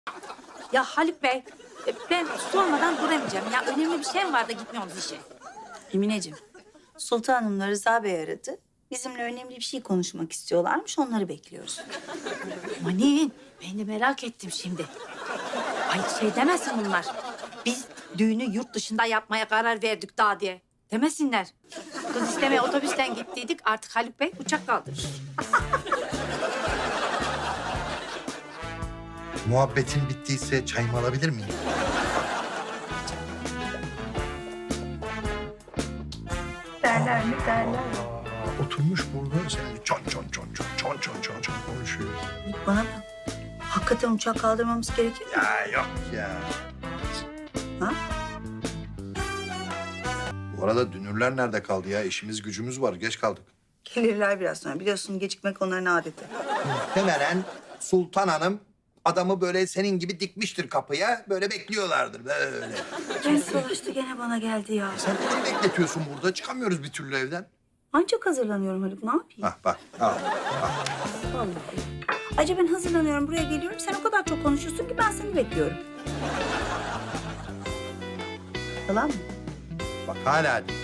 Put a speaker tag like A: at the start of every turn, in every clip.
A: Ya Haluk Bey, ben sormadan duramayacağım. Ya önemli bir şey mi var da gitmiyorsunuz işe?
B: Emineciğim, Sultanımla Rıza Bey aradı. Bizimle önemli bir şey konuşmak istiyorlarmış, onları bekliyoruz.
A: Manin, ben de merak ettim şimdi. Ay şey demesin bunlar. Biz düğünü yurt dışında yapmaya karar verdik daha diye. Demesinler. Kız istemeye otobüsten gittiydik. Artık Haluk Bey uçak kaldırır.
C: Muhabbetin bittiyse çayımı alabilir miyim?
B: Derler mi derler.
C: Oturmuş burada sen çon konuşuyor.
B: Bana bak, hakikaten uçak kaldırmamız gerekir mi?
C: Ya yok ya.
B: Ha?
C: Bu arada dünürler nerede kaldı ya? İşimiz gücümüz var. Geç kaldık.
B: Gelirler biraz sonra. Biliyorsun gecikmek onların adeti.
C: Muhtemelen Sultan Hanım adamı böyle senin gibi dikmiştir kapıya. Böyle bekliyorlardır böyle.
B: Kes dolaştı gene bana geldi ya.
C: Sen beni bekletiyorsun burada. Çıkamıyoruz bir türlü evden.
B: Ancak hazırlanıyorum Haluk, ne yapayım?
C: Hah bak. Al.
B: Vallahi. Ayrıca ben hazırlanıyorum, buraya geliyorum. Sen o kadar çok konuşuyorsun ki ben seni bekliyorum. Yalan mı?
C: Bak hala değil.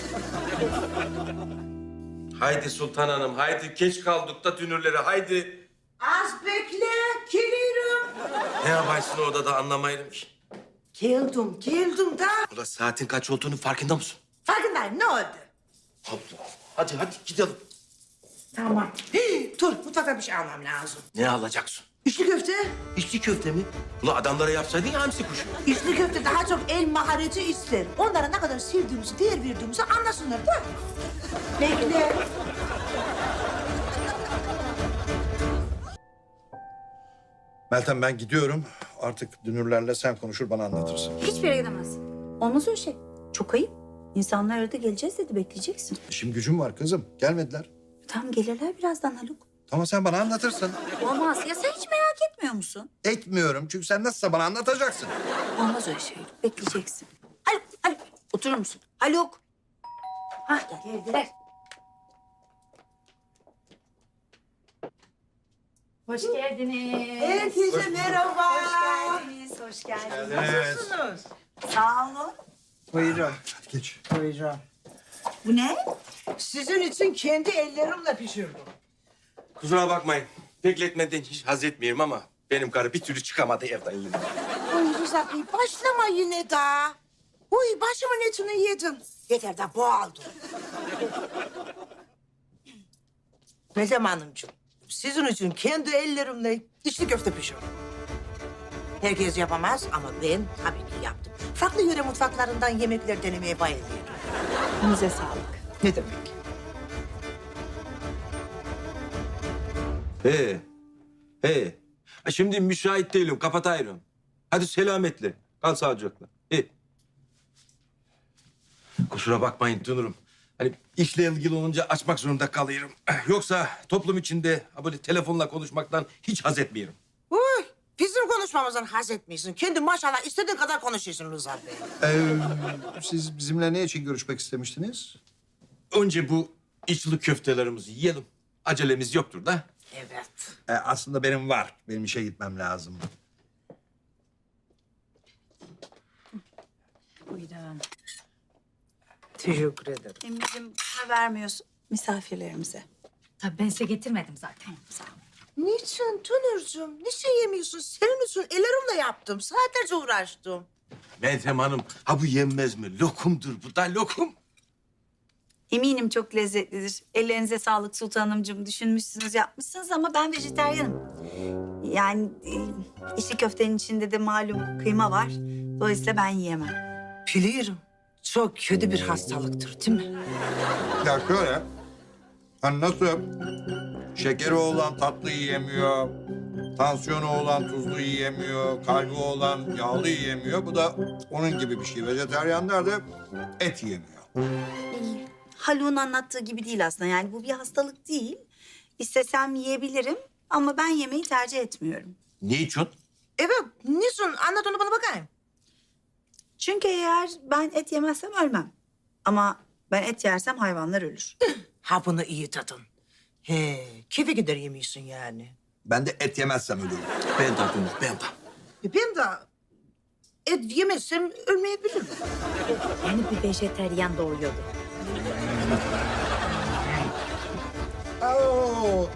D: Haydi Sultan Hanım, haydi geç kaldık da dünürlere, haydi.
E: Az bekle, geliyorum.
D: Ne yaparsın orada da anlamayırım ki.
E: Geldim da.
D: Ulan saatin kaç olduğunu farkında mısın?
E: Farkındayım, ne oldu?
D: Allah. Hadi gidelim.
E: Tamam. Dur, mutfakta bir şey almam lazım.
D: Ne alacaksın?
E: İçli köfte.
D: İçli köfte mi? Ulan adamlara yapsaydın ya hamsi kuşu.
E: İçli köfte daha çok el mahareti ister. Onlara ne kadar sevdiğimizi, değer verdiğimizi anlasınlar da. Bekle.
C: Meltem ben gidiyorum. Artık dünürlerle sen konuşur bana anlatırsın.
B: Hiçbir yere gidemezsin. Olmaz öyle şey. Çok ayıp. İnsanlar aradı, geleceğiz dedi, bekleyeceksin.
C: İşim gücüm var kızım. Gelmediler.
B: Tamam, gelirler birazdan Haluk.
C: Tamam sen bana anlatırsın.
B: Olmaz. Ya sen hiç merak etmiyor musun?
C: Etmiyorum çünkü sen nasılsa bana anlatacaksın.
B: Olmaz öyle şey. Bekleyeceksin. Haluk, Haluk. Oturur musun? Haluk. Hah, geldiler.
A: Hoş geldiniz.
E: Herkese merhaba.
B: Hoş geldiniz.
E: Nasılsınız?
B: Sağ olun.
E: Buyurun,
C: Hadi geç.
E: buyurun.
B: Bu ne?
E: Sizin için kendi ellerimle pişirdim.
D: Kusura bakmayın. Bekletmeden hiç haz etmiyorum ama benim karı bir türlü çıkamadı evden yine.
E: Uy Rıza Bey, başlama yine daha. Uy, başımın etini yedin. Yeter de boğaldım. Meltem Hanımcığım, sizin için kendi ellerimle içli köfte pişirdim. Herkes yapamaz ama ben tabii ki yaptım. Farklı yöre mutfaklarından yemekler denemeye bayılıyorum.
B: Elinize sağlık.
E: Ne demek?
D: He. Ha, şimdi müsait değilim, kapatayım. Hadi selametle, kal sağlıcakla. Kusura bakmayın dünürüm. Hani işle ilgili olunca açmak zorunda kalıyorum. Yoksa toplum içinde ha böyle telefonla konuşmaktan hiç haz etmiyorum.
E: Uy, bizim konuşmamızdan haz etmiyorsun. Kendi maşallah istediğin kadar konuşuyorsun Rıza Bey.
C: Siz bizimle ne için görüşmek istemiştiniz?
D: Önce bu içli köftelerimizi yiyelim. Acelemiz yoktur da.
E: Evet.
C: Aslında benim var. Benim işe gitmem lazım.
B: Buyurun.
E: Teşekkür ederim.
B: Emre'cim, para vermiyorsun misafirlerimize.
A: Tabii ben size getirmedim zaten.
B: Sağ ol.
E: Niçin Tünürcüğüm? Niçin yemiyorsun? Senin için ellerimle yaptım. Saatlerce uğraştım.
D: Meltem Hanım, ha bu yenmez mi? Lokumdur bu da lokum.
B: Eminim çok lezzetlidir. Ellerinize sağlık Sultanımcığım. Düşünmüşsünüz, yapmışsınız ama ben vejetaryenim. Yani içli köftenin içinde de malum kıyma var. Dolayısıyla ben yiyemem.
E: Biliyorum. Çok kötü bir hastalıktır değil mi?
C: Ya şöyle. Hani nasıl şekeri olan tatlı yiyemiyor, tansiyonu olan tuzlu yiyemiyor, kalbi olan yağlı yiyemiyor. Bu da onun gibi bir şey. Vejetaryenler de et yiyemiyor.
B: Haluk'un anlattığı gibi değil aslında. Yani bu bir hastalık değil. İstesem yiyebilirim ama ben yemeği tercih etmiyorum.
D: Ne için?
E: Evet. Niçin? Anlat onu bana bakayım.
B: Çünkü eğer ben et yemezsem ölmem. Ama ben et yersem hayvanlar ölür.
E: Ha bunu iyi tadın. He, keyfe gider yemiyorsun yani.
C: Ben de et yemezsem ölürüm.
D: Ben de dünür, ben de.
E: Ben de et yemezsem ölmeyebilirim.
A: Yeni bir vejeteryan doğuyordu.
C: Oo.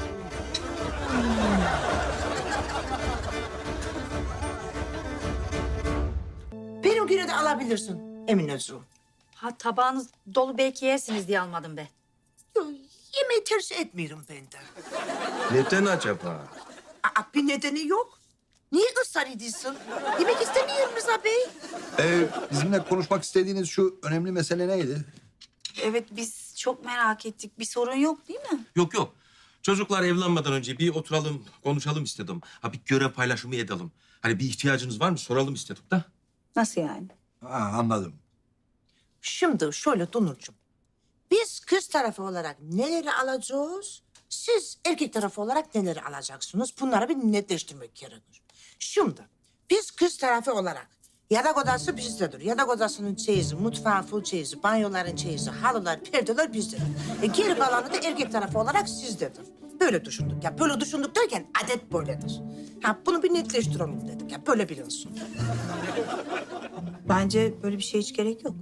E: Benimkini de alabilirsin Emineciğim.
A: Ha tabağınız dolu belki yersiniz diye almadım ben.
E: Yo, yemeği tercih etmiyorum ben de.
D: Neden acaba?
E: Bir nedeni yok. Niye ısrar ediyorsun? Yemek istemiyorum Rıza Bey.
C: Bizimle konuşmak istediğiniz şu önemli mesele neydi?
B: Evet, biz çok merak ettik. Bir sorun yok değil mi?
D: Yok yok. Çocuklar evlenmeden önce bir oturalım, konuşalım istedim. Ha bir görev paylaşımı edelim. Hani bir ihtiyacınız var mı soralım istedim da.
B: Nasıl yani?
C: Anladım.
E: Şimdi şöyle Dunurcuğum. Biz kız tarafı olarak neleri alacağız? Siz erkek tarafı olarak neleri alacaksınız? Bunları bir netleştirmek gerekir. Şimdi biz kız tarafı olarak yatak odası bizdedir. Yatak odasının çeyizi, mutfağın full çeyizi, banyoların çeyizi, halılar, perdeler bizdedir. Geri kalanı da erkek tarafı olarak sizdedir. Böyle düşündük. Ya böyle düşündük derken adet böyledir. Ha bunu bir netleştirelim dedik. Ya böyle bilinsin.
B: Bence böyle bir şey hiç gerek yok.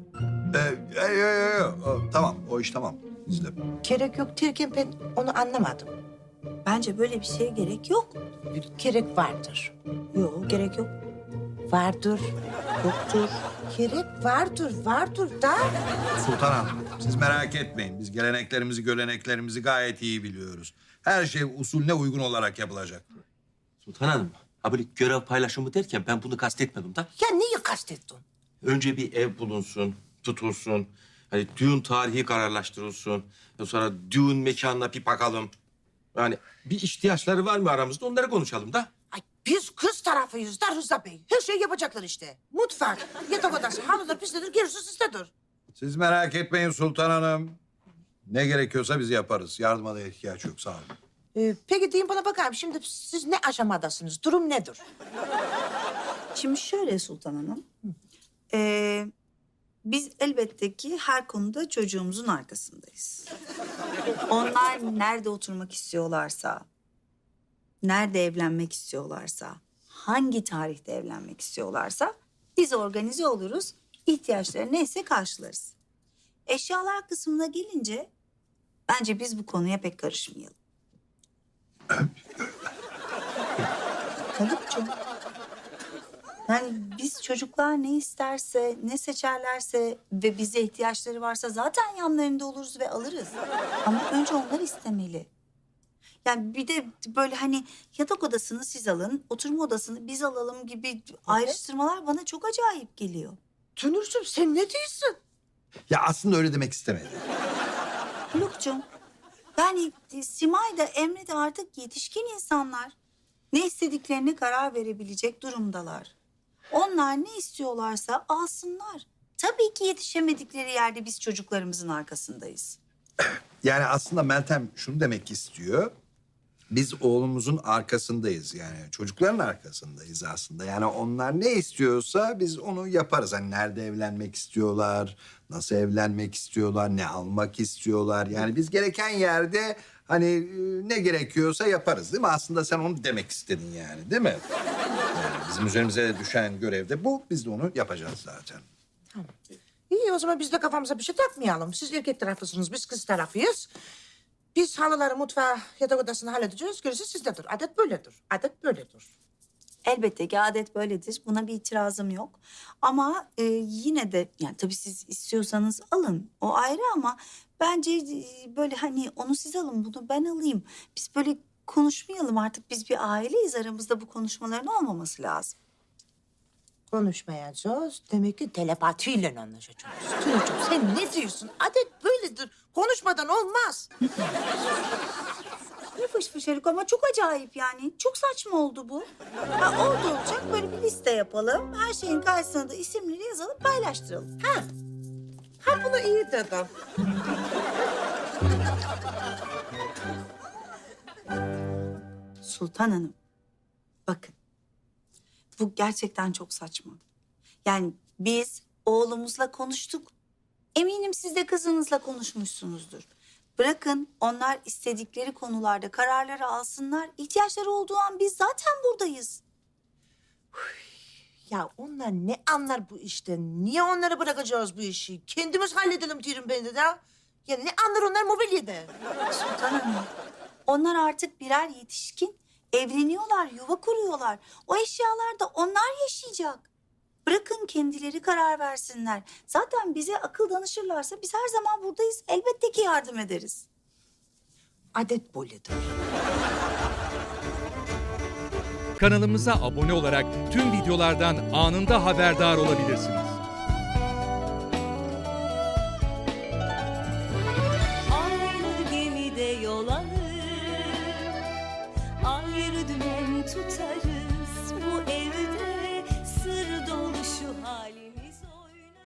C: Tamam, o iş tamam. Bizde.
E: Gerek yok derken ben onu anlamadım.
B: Bence böyle bir şeye gerek yok.
E: Gerek vardır.
B: Yok, gerek yok.
E: Vardır, yoktur. Gerek vardır da.
C: Sultan Hanım, siz merak etmeyin. Biz geleneklerimizi, göreneklerimizi gayet iyi biliyoruz. Her şey usulüne uygun olarak yapılacak.
D: Sultan Hanım, ha böyle görev paylaşımı derken ben bunu kastetmedim da.
E: Ya neyi kastettin?
D: Önce bir ev bulunsun, tutulsun. Hani düğün tarihi kararlaştırılsın. Sonra düğün mekanına bir bakalım. Yani bir ihtiyaçları var mı aramızda onları konuşalım da.
E: Ay biz kız tarafıyız da Rıza Bey. Her şeyi yapacaklar işte. Mutfak, yatak odası, halıdır, bizdedir, gerisi sizdedir.
C: Siz merak etmeyin Sultan Hanım. Ne gerekiyorsa biz yaparız. Yardıma da ihtiyaç yok, sağ olun.
E: Peki deyin bana bakalım şimdi siz ne aşamadasınız? Durum nedir?
B: Şimdi şöyle Sultan Hanım. Biz elbette ki her konuda çocuğumuzun arkasındayız. Onlar nerede oturmak istiyorlarsa, nerede evlenmek istiyorlarsa, hangi tarihte evlenmek istiyorlarsa biz organize oluruz. İhtiyaçları neyse karşılarız. Eşyalar kısmına gelince bence biz bu konuya pek karışmayalım. Haluk'cum. Yani biz çocuklar ne isterse, ne seçerlerse ve bize ihtiyaçları varsa zaten yanlarında oluruz ve alırız. Ama önce onlar istemeli. Yani bir de böyle hani yatak odasını siz alın, oturma odasını biz alalım gibi ayrıştırmalar bana çok acayip geliyor.
E: Tünürcüğüm sen ne diyorsun?
C: Ya aslında öyle demek istemedim.
B: Haluk'cum, yani Simay da Emre de artık yetişkin insanlar. Ne istediklerine karar verebilecek durumdalar. Onlar ne istiyorlarsa alsınlar. Tabii ki yetişemedikleri yerde biz çocuklarımızın arkasındayız.
C: Yani aslında Meltem şunu demek istiyor. Biz oğlumuzun arkasındayız yani. Çocukların arkasındayız aslında. Yani onlar ne istiyorsa biz onu yaparız. Hani nerede evlenmek istiyorlar, nasıl evlenmek istiyorlar, ne almak istiyorlar. Yani biz gereken yerde hani ne gerekiyorsa yaparız değil mi? Aslında sen onu demek istedin yani değil mi? Yani bizim üzerimize düşen görev de bu. Biz de onu yapacağız zaten.
E: İyi o zaman biz de kafamıza bir şey takmayalım. Siz erkek tarafısınız, biz kız tarafıyız. Biz halıları, mutfağı, yatak odasını halledeceğiz. Gerisi sizdedir. Adet böyledir. Adet böyledir.
B: Elbette ki adet böyledir. Buna bir itirazım yok. Ama yine de yani tabii siz istiyorsanız alın. O ayrı ama bence böyle hani onu siz alın, bunu ben alayım. Biz böyle konuşmayalım artık. Biz bir aileyiz. Aramızda bu konuşmaların olmaması lazım.
E: Konuşmayacağız. Demek ki telepatiyle anlaşacağız. Tünürcüğüm sen ne diyorsun? Adet böyledir. Konuşmadan olmaz.
B: Ne fış fış Haluk ama çok acayip yani. Çok saçma oldu bu. Ha, oldu olacak böyle bir liste yapalım. Her şeyin karşısına da isimleri yazalım, paylaştıralım.
E: Ha bunu iyi dedim.
B: Sultan Hanım, bakın. Bu gerçekten çok saçma. Yani biz oğlumuzla konuştuk. Eminim siz de kızınızla konuşmuşsunuzdur. Bırakın onlar istedikleri konularda kararları alsınlar. İhtiyaçları olduğu an biz zaten buradayız.
E: Ya onlar ne anlar bu işten? Niye onlara bırakacağız bu işi? Kendimiz halledelim diyorum ben de. Ya ne anlar onlar mobilyada?
B: Sultan Hanım, onlar artık birer yetişkin. Evleniyorlar, yuva kuruyorlar. O eşyalar da onlar yaşayacak. Bırakın kendileri karar versinler. Zaten bize akıl danışırlarsa biz her zaman buradayız. Elbette ki yardım ederiz.
E: Adet böyledir.
F: Kanalımıza abone olarak tüm videolardan anında haberdar olabilirsiniz.